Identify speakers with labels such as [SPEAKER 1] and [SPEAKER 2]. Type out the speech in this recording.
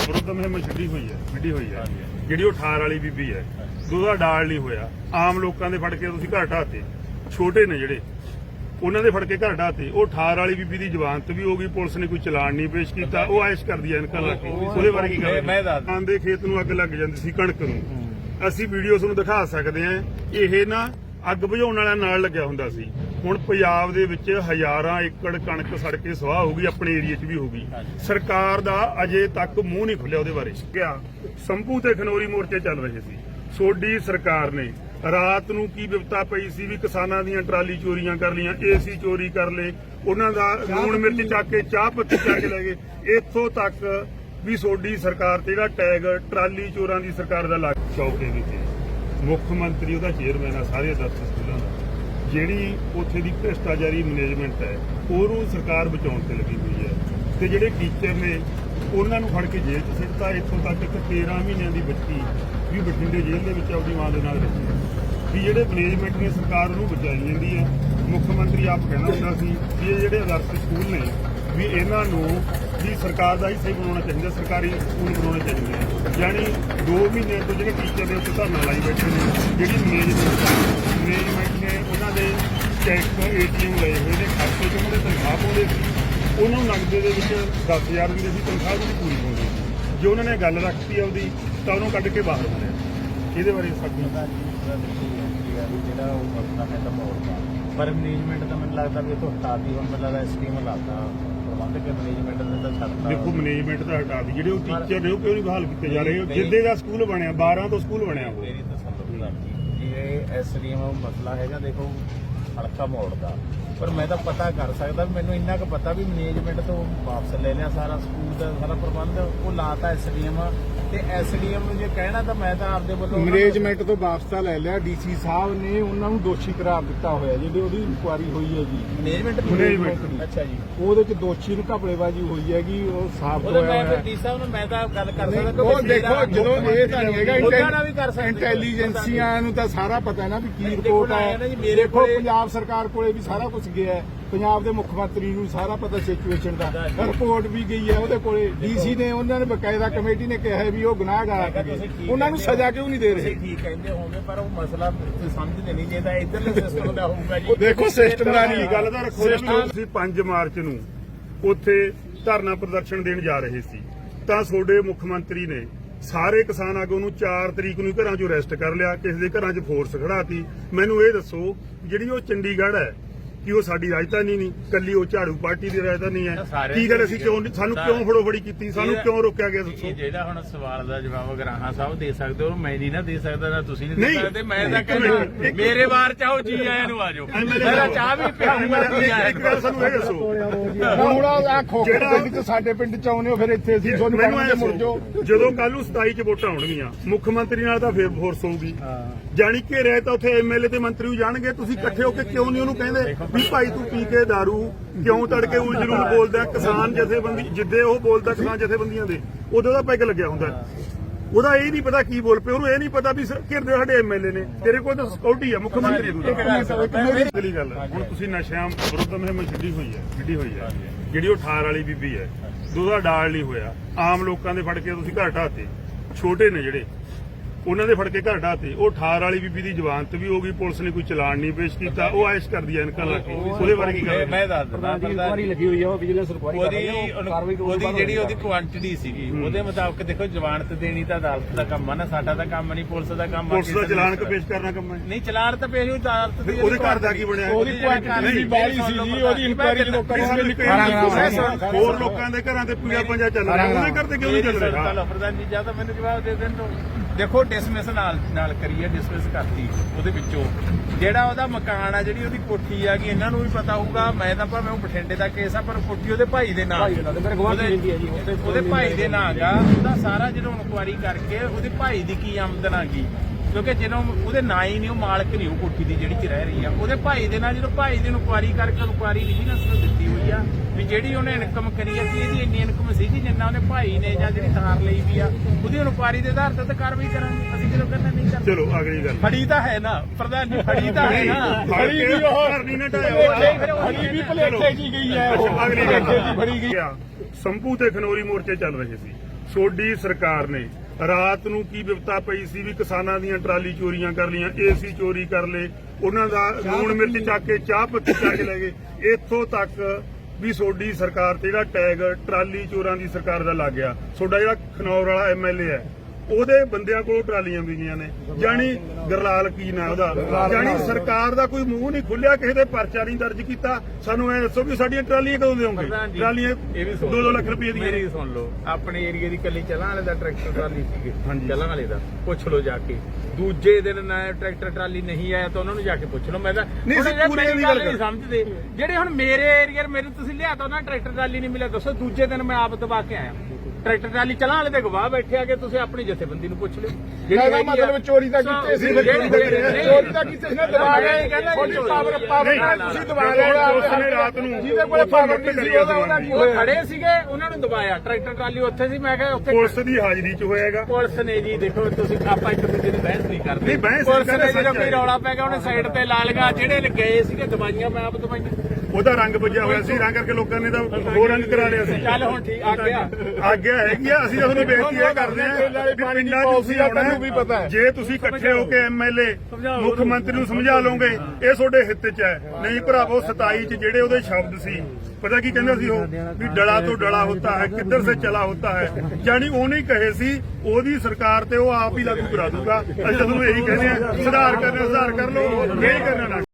[SPEAKER 1] ਵਿਰੁੱਧ ਮੁਹਿੰਮ ਛੱਡੀ ਹੋਈ ਹੈ ਜਿਹੜੀ ਉਹ ਠਾਰ ਵਾਲੀ ਬੀਬੀ ਹੈ ਉਹਦਾ ਡਾਲ ਨਹੀਂ ਹੋਇਆ। ਆਮ ਲੋਕਾਂ ਦੇ ਫੜ ਕੇ ਤੁਸੀਂ ਘਰ ਢਾਤੇ, ਛੋਟੇ ਨੇ ਜਿਹੜੇ ਉਹਨਾਂ ਦੇ ਫੜ ਕੇ ਘਰ ਢਾਤੇ। ਉਹ ਠਾਰ ਵਾਲੀ ਬੀਬੀ ਦੀ ਜ਼ਮਾਨਤ ਵੀ ਹੋ ਗਈ, ਪੁਲਿਸ ਨੇ ਕੋਈ ਚਲਾਨ ਨਹੀਂ ਪੇਸ਼ ਕੀਤਾ। ਉਹ ਆਇਸ਼ ਕਰਦੀ ਹੈ ਇਨਕਾ ਲਾ ਕੇ। ਉਹਦੇ ਬਾਰੇ ਕੀ ਗੱਲ? ਆਂਦੇ ਖੇਤ ਨੂੰ ਅੱਗ ਲੱਗ ਜਾਂਦੀ ਸੀ, ਕਣਕ ਨੂੰ। ਅਸੀਂ ਵੀਡੀਓ ਤੁਹਾਨੂੰ ਦਿਖਾ ਸਕਦੇ ਹਾਂ। ਇਹ ਨਾ ਅੱਗ ਬੁਝਾਉਣ ਵਾਲਿਆਂ ਨਾਲ ਲੱਗਿਆ ਹੁੰਦਾ ਸੀ। ਹੁਣ ਪੰਜਾਬ ਦੇ ਵਿੱਚ ਹਜ਼ਾਰਾਂ ਏਕੜ ਕਣਕ ਸੜ ਕੇ ਸਵਾਹ ਹੋ ਗਈ, ਆਪਣੇ ਏਰੀਏ 'ਚ ਵੀ ਹੋ ਗਈ। ਸਰਕਾਰ ਦਾ ਅਜੇ ਤੱਕ ਮੂੰਹ ਨਹੀਂ ਖੁੱਲਿਆ ਉਹਦੇ ਬਾਰੇ। ਕਿਹਾ ਸੰਭੂ ਤੇ ਖਨੌਰੀ ਮੋਰਚੇ ਚੱਲ ਰਹੇ ਸੀ। ਸੋਡੀ ਸਰਕਾਰ ਨੇ ਰਾਤ ਨੂੰ ਕੀ ਵਿਪਤਾ ਪਈ ਸੀ ਵੀ ਕਿਸਾਨਾਂ ਦੀਆਂ ਟਰਾਲੀ ਚੋਰੀਆਂ ਕਰ ਲੀਆਂ, ਏਸੀ ਚੋਰੀ ਕਰ ਲਏ, ਉਹਨਾਂ ਦਾ ਲੂਣ ਮਿਰਚ ਚੱਕ ਕੇ, ਚਾਹ ਪੱਤੀ ਚੱਕ ਕੇ ਲੈ ਗਏ। ਇੱਥੋਂ ਤੱਕ ਵੀ ਸੋਡੀ ਸਰਕਾਰ ਤੇ ਜਿਹੜਾ ਟੈਗ ਟਰਾਲੀ ਚੋਰਾਂ ਦੀ ਸਰਕਾਰ ਦਾ ਲੱਗ ਚੌਕੇ ਵਿੱਚ ਮੁੱਖ ਮੰਤਰੀ ਉਹਦਾ ਚੇਅਰਮੈਨ ਆ ਸਾਰੇ 10 ਸਕੂਲਾਂ ਦਾ। ਜਿਹੜੀ ਉੱਥੇ ਦੀ ਭ੍ਰਿਸ਼ਟਾਚਾਰੀ ਮੈਨੇਜਮੈਂਟ ਹੈ ਉਹਨੂੰ ਸਰਕਾਰ ਬਚਾਉਣ ਤੇ ਲੱਗੀ ਹੋਈ ਹੈ ਤੇ ਜਿਹੜੇ ਟੀਚਰ ਨੇ ਉਹਨਾਂ ਨੂੰ ਫੜ ਕੇ ਜੇਲ੍ਹ 'ਚ ਸਿੱਟਤਾ। ਇੱਥੋਂ ਤੱਕ ਇੱਕ 13 ਮਹੀਨਿਆਂ ਦੀ ਬੱਚੀ ਵੀ ਬਠਿੰਡੇ ਜੇਲ੍ਹ ਦੇ ਵਿੱਚ ਆਪਣੀ ਮਾਂ ਦੇ ਨਾਲ ਰਹੀ ਵੀ ਜਿਹੜੇ ਮੈਨੇਜਮੈਂਟ ਨੇ ਸਰਕਾਰ ਉਹਨੂੰ ਬਚਾਈ ਜਾਂਦੀ ਹੈ। ਮੁੱਖ ਮੰਤਰੀ ਆਪ ਕਹਿਣਾ ਹੁੰਦਾ ਸੀ ਵੀ ਇਹ ਜਿਹੜੇ ਆਦਰਸ਼ ਸਕੂਲ ਨੇ ਵੀ ਇਹਨਾਂ ਨੂੰ ਵੀ ਸਰਕਾਰ ਦਾ ਹੀ ਸਹੀ ਬਣਾਉਣਾ ਚਾਹੀਦਾ, ਸਰਕਾਰੀ ਸਕੂਲ ਬਣਾਉਣੇ ਚਾਹੀਦੇ ਆ। ਯਾਨੀ 2 ਮਹੀਨੇ ਤੋਂ ਜਿਹੜੇ ਟੀਚਰ ਦੇ ਉੱਤੇ ਧਰਨਾ ਲਾਈ ਬੈਠੇ ਨੇ, ਜਿਹੜੀ ਮੈਨੇਜਮੈਂਟ ਨੇ ਉਹਨਾਂ ਦੇ ਚੈੱਕ ATM ਲਏ ਹੋਏ ਨੇ, ਖਾਤੇ 'ਚ ਉਹਨਾਂ ਦੇ ਤਨਖਾਹ ਪਾਉਂਦੇ ਸੀ, ਉਹਨਾਂ ਨੂੰ ਨਕਦੇ ਦੇ ਵਿੱਚ 10,000 ਦਿੰਦੇ ਸੀ, ਤਨਖਾਹ ਉਹਦੀ ਪੂਰੀ ਪਾਉਂਦੇ ਸੀ। ਜੇ ਉਹਨਾਂ ਨੇ ਗੱਲ ਰੱਖਤੀ ਆਪਦੀ ਤਾਂ ਉਹਨੂੰ ਕੱਢ ਕੇ ਬਾਹਰ ਮਾਰਿਆ। ਇਹਦੇ ਬਾਰੇ ਸਾਡੀ
[SPEAKER 2] ਜਿਹੜਾ ਉਹ ਮਸਲਾ ਹੈ ਤਾਂ ਮੋੜਦਾ, ਪਰ ਮੈਨੇਜਮੈਂਟ ਤਾਂ ਮੈਨੂੰ ਲੱਗਦਾ ਵੀ ਇਹ ਤੋਂ ਹਟਾਤੀ। ਹੁਣ ਮੈਨੂੰ ਲੱਗਦਾ ਸਕੀਮ ਲਾਤਾ ਪ੍ਰਬੰਧਕ ਮੈਨੇਜਮੈਂਟ ਨੇ ਤਾਂ ਛੱਡਤਾ।
[SPEAKER 1] ਦੇਖੋ ਮੈਨੇਜਮੈਂਟ ਤਾਂ ਹਟਾਤੀ, ਜਿਹੜੇ ਉਹ ਟੀਚਰ ਨੇ ਉਹ ਕਿਉਂ ਨਹੀਂ ਬਹਾਲ ਕੀਤੇ ਜਾ ਰਹੇ? ਜਿੱਦੇ ਦਾ ਸਕੂਲ ਬਣਿਆ 12 ਤੋਂ ਸਕੂਲ ਬਣਿਆ ਉਹ
[SPEAKER 2] ਮੇਰੀ ਤਸੱਲੀ ਜੀ ਇਹ SDM ਮਸਲਾ ਹੈਗਾ। ਦੇਖੋ ਹਲਕਾ ਮੋੜਦਾ, ਪਰ ਮੈਂ ਤਾਂ ਪਤਾ ਕਰ ਸਕਦਾ। ਮੈਨੂੰ ਇੰਨਾ ਕੁ ਪਤਾ ਵੀ ਮੈਨੇਜਮੈਂਟ ਤੋਂ ਵਾਪਸ ਲੈ ਲਿਆ ਸਾਰਾ ਸਕੂਲ ਦਾ ਸਾਰਾ ਪ੍ਰਬੰਧ, ਉਹ ਲਾਤਾ SDM ਤੇ SDM ਨੂੰ ਜੇ ਕਹਿਣਾ ਤਾਂ ਮੈਂ ਤਾਂ ਆਪਦੇ ਵੱਲੋਂ
[SPEAKER 3] ਮੈਨੇਜਮੈਂਟ ਤੋਂ ਵਾਪਸ ਤਾਂ ਲੈ ਲਿਆ। DC ਸਾਹਿਬ ਨੇ ਉਹਨਾਂ ਨੂੰ ਦੋਸ਼ੀ ਕਰਾਰ ਦਿੱਤਾ ਹੋਇਆ। ਜਿਹੜੀ ਉਹਦੀ ਇਨਕੁਆਰੀ ਹੋਈ ਹੈ ਜੀ
[SPEAKER 2] ਮੈਨੇਜਮੈਂਟ ਅੱਛਾ ਜੀ,
[SPEAKER 3] ਉਹਦੇ ਚ ਦੋਸ਼ੀ ਨੂੰ ਘਪਲੇਬਾਜ਼ੀ ਹੋਈ ਹੈਗੀ, ਉਹ ਸਾਫ਼
[SPEAKER 2] ਉਹਦੇ
[SPEAKER 3] ਹੋਇਆ
[SPEAKER 2] ਮੈਂ ਡੀ ਸਾਹਿਬ ਨੂੰ ਮੈਂ ਤਾਂ ਗੱਲ ਕਰ ਸਕਦਾ।
[SPEAKER 3] ਉਹ ਦੇਖੋ ਜਦੋਂ ਇਹ ਤਾਂ ਨਹੀਂ ਹੈਗਾ
[SPEAKER 2] ਵੀ ਕਰ ਸਕਦੇ
[SPEAKER 3] ਇੰਟੈਲੀਜੈਂਸੀਆਂ ਨੂੰ ਤਾਂ ਸਾਰਾ ਪਤਾ ਨਾ ਵੀ ਕੀ ਰਿਪੋਰਟ ਹੈ। ਦੇਖੋ ਪੰਜਾਬ ਸਰਕਾਰ ਕੋਲੇ ਵੀ ਸਾਰਾ ਕੁਝ ਗਿਆ ਹੈ, ਪੰਜਾਬ ਦੇ ਮੁੱਖ ਮੰਤਰੀ ਨੂੰ ਸਾਰਾ ਪਤਾ ਸਿਚੁਏਸ਼ਨ ਦਾ, ਰਿਪੋਰਟ ਵੀ ਗਈ ਹੈ ਉਹਦੇ ਕੋਲੇ। DC ਨੇ ਉਹਨਾਂ ਨੇ ਬਕਾਇਦਾ ਕਮੇਟੀ ਨੇ ਕਿਹਾ ਵੀ ਉਹ ਗੁਨਾਹਗਾਰ ਹੈ, ਉਹਨਾਂ ਨੂੰ ਸਜ਼ਾ ਕਿਉਂ ਨਹੀਂ ਦੇ ਰਹੇ?
[SPEAKER 2] ਠੀਕ ਕਹਿੰਦੇ ਹੋਗੇ, ਪਰ ਉਹ ਮਸਲਾ ਸਮਝਦੇ ਨਹੀਂ ਜੇ ਤਾਂ ਇਧਰਲੇ ਸਿਸਟਮ ਦਾ ਹੋਊਗਾ ਜੀ।
[SPEAKER 3] ਦੇਖੋ ਸਿਸਟਮ ਦਾ ਨਹੀਂ
[SPEAKER 1] ਗੱਲ ਦਾ ਰੱਖੋ। ਤੁਸੀਂ 5 ਮਾਰਚ ਨੂੰ ਉੱਥੇ ਧਰਨਾ ਪ੍ਰਦਰਸ਼ਨ ਦੇਣ ਜਾ ਰਹੇ ਸੀ ਤਾਂ ਤੁਹਾਡੇ ਮੁੱਖ ਮੰਤਰੀ ਨੇ ਸਾਰੇ ਕਿਸਾਨ ਆਗੂ ਨੂੰ 4 ਤਰੀਕ ਨੂੰ ਘਰਾਂ 'ਚੋਂ ਅਰੈਸਟ ਕਰ ਲਿਆ, ਕਿਸੇ ਦੇ ਘਰਾਂ 'ਚ ਫੋਰਸ ਖੜਾਤੀ। ਮੈਨੂੰ ਇਹ ਦੱਸੋ ਜਿਹੜੀ ਉਹ ਚੰਡੀਗੜ੍ਹ ਹੈ ਕਿ ਉਹ ਸਾਡੀ ਰਾਜਧਾਨੀ ਨਹੀਂ, ਕੱਲੀ ਉਹ ਝਾੜੂ ਪਾਰਟੀ ਦੀ ਰਾਜਧਾਨੀ ਹੈ? ਕੀ ਗੱਲ ਅਸੀਂ ਕਿਉਂ ਸਾਨੂੰ ਕਿਉਂ ਫੜੋਫੜੀ ਕੀਤੀ, ਸਾਨੂੰ ਕਿਉਂ ਰੋਕਿਆ ਗਿਆ ਦੱਸੋ?
[SPEAKER 2] ਜਿਹੜਾ ਹੁਣ ਸਵਾਲ ਦਾ ਜਵਾਬ ਗਰਾਹਾਂ ਸਾਹਿਬ ਦੇ ਸਕਦੇ ਹੋ, ਮੈਂ ਨਹੀਂ ਨਾ ਦੇ ਸਕਦਾ, ਨਾ ਤੁਸੀਂ ਨਹੀਂ ਦੇ ਸਕਦੇ। ਮੈਂ ਤਾਂ ਕਹਿੰਦਾ ਮੇਰੇ ਵਾਰ ਚਾਹੋ ਜੀ ਆਇਆਂ ਨੂੰ ਆਜੋ, ਮੇਰਾ ਚਾਹ ਵੀ ਪਿਆਊਂਗਾ।
[SPEAKER 1] ਇੱਕ ਗੱਲ ਸਾਨੂੰ ਇਹ ਦੱਸੋ,
[SPEAKER 3] ਹੁਣ ਆ ਖੋਖਰ ਪਿੰਡ ਚ ਸਾਡੇ ਪਿੰਡ ਚ ਆਉਨੇ ਹੋ, ਫਿਰ ਇੱਥੇ ਅਸੀਂ ਤੁਹਾਨੂੰ ਕਹਿੰਦੇ ਮੁੜ ਜਾਓ।
[SPEAKER 1] ਜਦੋਂ ਕੱਲ ਨੂੰ 27 ਚ ਵੋਟਾਂ ਆਉਣਗੀਆਂ, ਮੁੱਖ ਮੰਤਰੀ ਨਾਲ ਤਾਂ ਫੇਰ ਫੋਰਸ ਹੋਊਗੀ। ਜਾਣੀ ਕਿ ਰਹਿ ਤਾਂ ਉੱਥੇ MLA ਤੇ ਮੰਤਰੀ ਵੀ ਜਾਣਗੇ। ਤੁਸੀਂ ਇਕੱਠੇ ਹੋ ਕੇ ਕਿਉਂ ਨਹੀਂ ਉਹਨੂੰ ਕਹਿੰਦੇ ਵੀ ਭਾਈ ਤੂੰ ਪੀ ਕੇ ਦਾਰੂ ਕਿਉਂ ਤੜਕੇ ਉਲਝਣ ਬੋਲਦਾ? ਕਿਸਾਨ ਜਥੇਬੰਦੀ ਜਿੱਦੇ ਉਹ ਬੋਲਦਾ ਕਿਸਾਨ ਜਥੇਬੰਦੀਆਂ ਦੇ, ਉਦੋਂ ਦਾ ਪੈਗ ਲੱਗਿਆ ਹੁੰਦਾ। ਉਹਦਾ ਇਹ ਨਹੀਂ ਪਤਾ ਕੀ ਬੋਲ ਪਏ, ਉਹਨੂੰ ਇਹ ਨਹੀਂ ਪਤਾ ਵੀ ਘਿਰਦੇ ਸਾਡੇ MLA ਨੇ, ਤੇਰੇ ਕੋਲ ਤਾਂ ਸਿਕਿਉਰਿਟੀ ਆ ਮੁੱਖ ਮੰਤਰੀ ਦੀ। ਅਗਲੀ ਗੱਲ ਹੁਣ ਤੁਸੀਂ ਨਸ਼ਿਆਂ ਵਿਰੁੱਧ ਮੁਹਿੰਮ ਛੱਡੀ ਹੋਈ ਹੈ ਜਿਹੜੀ ਉਹ ਠਾਰ ਵਾਲੀ ਬੀਬੀ ਹੈ ਉਹਦਾ ਡਾਲ ਨਹੀਂ ਹੋਇਆ। ਆਮ ਲੋਕਾਂ ਦੇ ਫੜ ਕੇ ਤੁਸੀਂ ਘਰ ਢਾਤੇ, ਛੋਟੇ ਨੇ ਜਿਹੜੇ ਉਹਨਾਂ ਦੇ ਫੜ ਕੇ ਘਰ ਢਾਤੇ। ਉਹ ਠਾਰ ਵਾਲੀ ਬੀਬੀ ਦੀ ਜ਼ਮਾਨਤ ਵੀ ਹੋ ਗਈ, ਪੁਲਿਸ ਨੇ ਕੋਈ ਚਲਾਨ ਨਹੀਂ ਪੇਸ਼ ਕੀਤਾ। ਉਹ ਆਇਸ਼ ਕਰਦੀ ਹੈ ਇਨਕਾ ਲਾ ਕੇ। ਉਹਦੇ ਬਾਰੇ ਕੀ ਗੱਲ?
[SPEAKER 2] ਮੈਂ ਦੱਸ ਦਿੰਦਾ,
[SPEAKER 3] ਇਨਕੁਆਰੀ ਲੱਗੀ ਹੋਈ ਹੈ, ਉਹ ਵਿਜੀਲੈਂਸ ਇਨਕੁਆਰੀ ਕਰ ਰਹੀ ਹੈ।
[SPEAKER 2] ਉਹਦੀ ਜਿਹੜੀ ਉਹਦੀ ਕੁਆਂਟੀਟੀ ਸੀਗੀ ਉਹਦੇ ਮੁਤਾਬਕ ਦੇਖੋ ਜ਼ਮਾਨਤ ਦੇਣੀ ਤਾਂ ਅਦਾਲਤ ਦਾ ਕੰਮ ਆ ਨਾ, ਸਾਡਾ ਤਾਂ ਕੰਮ ਨਹੀਂ, ਪੁਲਿਸ ਦਾ ਕੰਮ ਆ।
[SPEAKER 1] ਪੁਲਿਸ ਦਾ ਚਲਾਨ ਪੇਸ਼ ਕਰਨਾ ਕੰਮ ਹੈ?
[SPEAKER 2] ਨਹੀਂ, ਚਲਾਨ ਤਾਂ ਪੇਸ਼ ਅਦਾਲਤ ਦੀ।
[SPEAKER 1] ਉਹਦੇ ਘਰ ਦਾ ਕੀ ਬਣਿਆ?
[SPEAKER 3] ਉਹਦੀ ਕੁਆਂਟੀਟੀ ਬਾਹਲੀ ਸੀ ਜੀ, ਉਹਦੀ ਇਨਕੁਆਰੀ ਜਦੋਂ ਕਰਾਂਗੇ
[SPEAKER 1] ਹੋਰ ਲੋਕਾਂ ਦੇ ਘਰਾਂ ਤੇ ਪੂਜਾ ਪੰਜਾ ਚੱਲ ਰਿਹਾ, ਉਹਦੇ ਘਰ ਤੇ ਕਿਉਂ ਨਹੀਂ ਚੱਲ ਰਿਹਾ?
[SPEAKER 2] ਪ੍ਰਧਾਨ ਜੀ ਜਾਂ ਤਾਂ ਮੈਨੂੰ ਜਵਾਬ ਦੇ ਦੇਣ ਦਿਓ। ਦੇਖੋ ਡਿਸਮਿਸ ਨਾਲ ਕਰੀਏ, ਡਿਸਮਿਸ ਕਰਤੀ ਉਹਦੇ ਵਿੱਚੋਂ ਜਿਹੜਾ ਉਹਦਾ ਮਕਾਨ ਆ, ਜਿਹੜੀ ਉਹਦੀ ਕੋਠੀ ਆ ਕਿ ਇਹਨਾਂ ਨੂੰ ਵੀ ਪਤਾ ਹੋਊਗਾ। ਮੈਂ ਤਾਂ ਭਾਵੇਂ ਉਹ ਬਠਿੰਡੇ ਦਾ ਕੇਸ ਆ, ਪਰ ਕੋਠੀ ਉਹਦੇ ਭਾਈ ਦੇ ਨਾਂ, ਉਹਦੇ ਭਾਈ ਦੇ ਨਾਂ ਗਾ। ਉਹਦਾ ਸਾਰਾ ਜਦੋਂ ਇਨਕੁਆਰੀ ਕਰਕੇ ਉਹਦੇ ਭਾਈ ਦੀ ਕੀ ਆਮਦਨ ਆ ਗਈ, ਕਿਉਂਕਿ ਜਦੋਂ ਉਹਦੇ ਨਾਂ ਹੀ ਨਹੀਂ, ਉਹ ਮਾਲਕ ਨਹੀਂ ਉਹ ਕੋਠੀ ਦੀ ਜਿਹੜੀ ਚ ਰਹਿ ਰਹੀ ਆ, ਉਹਦੇ ਭਾਈ ਦੇ ਨਾਲ ਜਦੋਂ ਭਾਈ ਦੀ ਇਨਕੁਆਰੀ ਕਰਕੇ ਇਨਕੁਆਰੀ ਵਿਜੀਲੈਂਸ ਨੂੰ ਦਿੱਤੀ ਹੋਈ ਆ ਵੀ ਜਿਹੜੀ ਉਹਨੇ ਇਨਕਮ ਕਰੀ ਆ ਕਿ ਇਹਦੀ ਇੰਨੀ ਇਨਕਮ ਸੀਗੀ ਜਿੰਨਾ ਉਹਨੇ ਭਾਈ ਨੇ ਜਾਂ ਜਿਹੜੀ ਥਾਰ ਲਈ ਵੀ ਆ, ਉਹਦੀ ਇਨਕੁਆਰੀ ਦੇ ਆਧਾਰ ਤੇ ਤਾਂ ਕਾਰਵਾਈ ਕਰਾਂਗੇ ਅਸੀਂ। ਜਦੋਂ ਕਹਿੰਦਾ ਨਹੀਂ ਕਰਦੇ,
[SPEAKER 1] ਚਲੋ ਅਗਲੀ ਗੱਲ
[SPEAKER 2] ਫੜੀ ਤਾਂ ਹੈ ਨਾ ਪ੍ਰਧਾਨ ਜੀ, ਫੜੀ ਤਾਂ ਹੈ ਨਾ,
[SPEAKER 1] ਫੜੀ ਵੀ ਉਹ ਕਰਨੀ ਨਾ ਢਾਇਓ,
[SPEAKER 3] ਫੜੀ ਵੀ ਭਲੇਖੇ ਜੀ ਗਈ ਹੈ।
[SPEAKER 1] ਅਗਲੀ ਗੱਲ ਫੜੀ ਗਈ। ਸੰਭੂ ਤੇ ਖਨੌਰੀ ਮੋਰਚੇ ਚੱਲ ਰਹੇ ਸੀ। ਸੋਡੀ ਸਰਕਾਰ ਨੇ ਰਾਤ ਨੂੰ ਕੀ ਵਿਪਤਾ ਪਈ ਸੀ ਵੀ ਕਿਸਾਨਾਂ ਦੀਆਂ ਟਰਾਲੀ ਚੋਰੀਆਂ ਕਰ ਲਈਆਂ, ਏਸੀ ਚੋਰੀ ਕਰ ਲਏ, ਉਹਨਾਂ ਦਾ ਲੂਣ ਮਿਰਚ ਚੱਕ ਕੇ ਚਾਹ ਪੱਤੀ ਚੱਕ ਕੇ ਲੈ ਗਏ। ਇੱਥੋਂ ਤੱਕ ਵੀ ਸੋਡੀ ਸਰਕਾਰ ਤੇ ਜਿਹੜਾ ਟੈਗ ਟਰਾਲੀ ਚੋਰਾਂ ਦੀ ਸਰਕਾਰ ਦਾ ਲੱਗ ਗਿਆ। ਸੋਡਾ ਜਿਹੜਾ ਖਨੌਰ ਵਾਲਾ ਐਮਐਲਏ ਹੈ ਉਹਦੇ ਬੰਦਿਆਂ ਕੋਲ ਟਰਾਲੀਆਂ ਵੀ ਗਈਆਂ ਨੇ, ਜਾਣੀ ਗਰਲਾਲ ਕੀ ਨਾ ਉਹਦਾ, ਜਾਣੀ ਸਰਕਾਰ ਦਾ ਕੋਈ ਮੂੰਹ ਨਹੀਂ ਖੁੱਲਿਆ, ਕਿਸੇ ਦੇ ਪਰਚਾ ਨਹੀਂ ਦਰਜ ਕੀਤਾ। ਸਾਨੂੰ ਇਹ ਦੱਸੋ ਵੀ ਸਾਡੀਆਂ ਟਰਾਲੀਆਂ ਕਦੋਂ ਦੇਵੋਗੇ? ਟਰਾਲੀਆਂ 2-2 ਲੱਖ ਰੁਪਏ ਦੀਆਂ।
[SPEAKER 2] ਮੇਰੀ ਸੁਣ ਲਓ, ਆਪਣੇ ਏਰੀਏ ਦੀ ਕੱਲੀ ਚਲਾਂ ਵਾਲੇ ਦਾ ਟਰੈਕਟਰ ਟਰਾਲੀ ਸੀਗੇ, ਚਲਾਂ ਵਾਲੇ ਦਾ ਪੁੱਛ ਲਓ ਜਾ ਕੇ। ਦੂਜੇ ਦਿਨ ਨਾ ਟਰੈਕਟਰ ਟਰਾਲੀ ਨਹੀਂ ਆਇਆ ਤਾਂ ਉਹਨਾਂ ਨੂੰ ਜਾ ਕੇ ਪੁੱਛ ਲਓ। ਮੈਂ ਤਾਂ ਮੇਰੀ ਗੱਲ ਨਹੀਂ ਸਮਝਦੇ ਜਿਹੜੇ ਹੁਣ ਮੇਰੇ ਏਰੀਆ ਮੇਰੇ ਤੁਸੀਂ ਲਿਆ ਤਾਂ ਉਹਨਾਂ ਟਰੈਕਟਰ ਟਰਾਲੀ ਨਹੀਂ ਮਿਲਿਆ। ਦੱਸੋ ਦੂਜੇ ਦਿਨ ਮੈਂ ਆਪ ਦਬਾ ਕੇ ਆਇਆ ਟਰੈਕਟਰ ਟਰਾਲੀ ਚਲਾਂ ਵਾਲੇ ਦੇ ਗਵਾਹ ਬੈਠੇ ਆ ਕੇ ਤੁਸੀਂ ਆਪਣੀ ਜਥੇਬੰਦੀ ਨੂੰ ਪੁੱਛ ਲਿਓ।
[SPEAKER 3] ਇਹਦਾ ਮਤਲਬ ਚੋਰੀ ਦਾ ਕੀਤੇ ਸੀ, ਚੋਰੀ ਦਾ ਕੀਤੇ ਸੀ ਨਾ, ਦਬਾ ਗਏ। ਤੁਹਾਡੀ ਪਾਵਰ ਨਾਲ ਤੁਸੀਂ ਦਬਾ ਗਏ।
[SPEAKER 1] ਉਸਨੇ ਰਾਤ ਨੂੰ
[SPEAKER 3] ਜਿਹਦੇ ਕੋਲ ਪਾਵਰ ਨਹੀਂ ਸੀ ਉਹਦਾ ਕੀ ਹੋਇਆ?
[SPEAKER 2] ਖੜੇ ਸੀਗੇ, ਉਹਨਾਂ ਨੂੰ ਦਬਾਇਆ। ਟਰੈਕਟਰ ਟਰਾਲੀ ਉੱਥੇ ਸੀ। ਮੈਂ ਕਿਹਾ ਉੱਥੇ
[SPEAKER 1] ਪੁਲਿਸ ਦੀ ਹਾਜ਼ਰੀ 'ਚ ਹੋਏਗਾ।
[SPEAKER 2] ਪੁਲਿਸ ਨੇ ਜੀ ਦੇਖੋ ਤੁਸੀਂ ਆਪਾਂ ਇੱਕ ਦੂਜੇ ਦੀ ਬਹਿਸ ਨਹੀਂ ਕਰਦੇ।
[SPEAKER 1] ਨਹੀਂ, ਬਹਿਸ
[SPEAKER 2] ਪੁਲਿਸ
[SPEAKER 1] ਕਰਦੇ
[SPEAKER 2] ਨੇ ਜਦੋਂ ਕੋਈ ਰੌਲਾ ਪੈ ਗਿਆ ਉਹਨੇ ਸਾਈਡ ਤੇ ਲਾ ਲਗਾ। ਜਿਹੜੇ ਗਏ ਸੀਗੇ ਦਵਾਈਆਂ ਮੈਂ ਆਪ ਦਵਾਈਆਂ।
[SPEAKER 1] ਉਹਦਾ ਰੰਗ ਵੱਜਿਆ ਹੋਇਆ ਸੀ, ਤਾਂ ਕਰਕੇ ਲੋਕਾਂ ਨੇ ਤਾਂ ਹੋਰ ਰੰਗ ਕਰਾ ਲਿਆ ਸੀ।
[SPEAKER 2] ਚੱਲ ਹੁਣ ਠੀਕ ਆ ਗਿਆ,
[SPEAKER 1] ਆਗਿਆ ਹੈਗੀ ਆ। ਅਸੀਂ ਤੁਹਾਨੂੰ ਬੇਨਤੀ ਇਹ ਕਰਦੇ ਆ ਵੀ ਪਿੰਡਾਂ 'ਚ ਤੁਸੀਂ ਆਉਣਾ, ਜੇ ਤੁਸੀਂ ਇਕੱਠੇ ਹੋ ਕੇ ਐਮਐਲਏ ਮੁੱਖ ਮੰਤਰੀ ਨੂੰ ਸਮਝਾ ਲਓਗੇ ਇਹ ਤੁਹਾਡੇ ਹਿੱਤ 'ਚ ਹੈ। ਨਹੀਂ ਭਰਾਵੋ, 27 'ਚ ਜਿਹੜੇ ਉਹਦੇ ਸ਼ਬਦ ਸੀ, ਪਤਾ ਕੀ ਕਹਿੰਦਾ ਸੀ ਉਹ ਵੀ ਡਲਾ ਤੋਂ ਡਲਾ ਹੋਤਾ ਹੈ, ਕਿੱਧਰ ਸੇ ਚਲਾ ਹੋਤਾ ਹੈ, ਜਾਨੀ ਉਹਨੇ ਕਹੇ ਸੀ। ਉਹਦੀ ਸਰਕਾਰ ਤੇ ਉਹ ਆਪ ਹੀ ਲਾਗੂ ਕਰਾ ਦੂਗਾ। ਅਸੀਂ ਤੁਹਾਨੂੰ ਇਹੀ ਕਹਿੰਦੇ ਆ, ਸੁਧਾਰ ਕਰਨਾ ਸੁਧਾਰ ਕਰ ਲਓ, ਨਹੀਂ ਕਰਨਾ ਨਾ।